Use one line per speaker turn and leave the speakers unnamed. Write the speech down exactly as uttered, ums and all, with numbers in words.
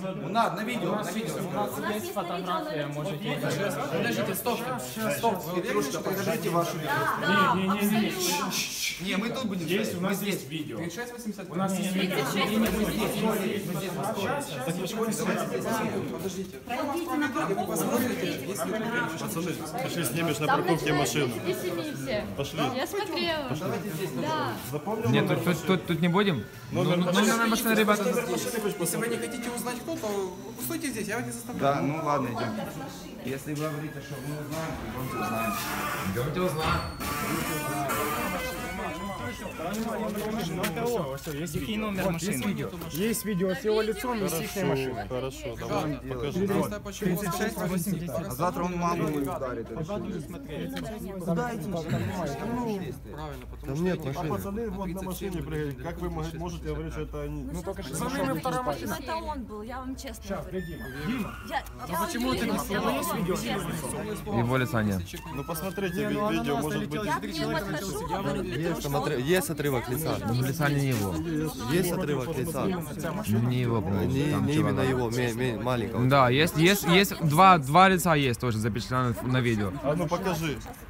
Ну надо, на видео, на видео.
У нас есть фотография, можете...
Подождите, стоп, стоп, Петрушка, покажите вашу видео.
Не, не, не, не.
Не, мы тут будем.
Есть, у нас есть видео.
тридцать шесть восемьдесят.
У нас есть видео.
Подождите.
Пройдите на парковку.
Пацаны, пошли снимешь на парковке машину. Пошли.
Я смотрела. Да.
Запомнил
Нет,
номер
тут, тут, тут, тут не будем? Ну, ну, ну, ну, машина, ребята.
Если вы не хотите узнать кто, то стойте здесь, я вас не заставляю.
Да, ну ладно, идем. Если вы говорите, что мы узнаем, идемте узнаем.
Идемте узнаем.
Есть видео. Есть видео. Есть видео с его лицом и с их машиной.
Хорошо, давай, покажи.
тридцать шесть восемьдесят.
А завтра он маму ударит.
Куда идти? Правильно, потому что
Нет, а пацаны вот на машине приехали. Как вы можете говорить, что это они?
Ну только что зашел.
вторая машина. Это он был, я вам честно говорю.
Дима.
Я, я
Почему ты не снял? Есть видео?
Его лица нет.
Ну посмотрите ви- видео, может быть.
я к нему подхожу, говорю,
Есть, там отри- есть отрывок лица.
Ну, лица не его.
Есть отрывок лица.
Не его, по-моему,
Не,
там
не
чувак.
именно его, ме- ме- маленького.
Да, есть, есть, есть два, два лица есть тоже запечатлены на видео.
А ну покажи.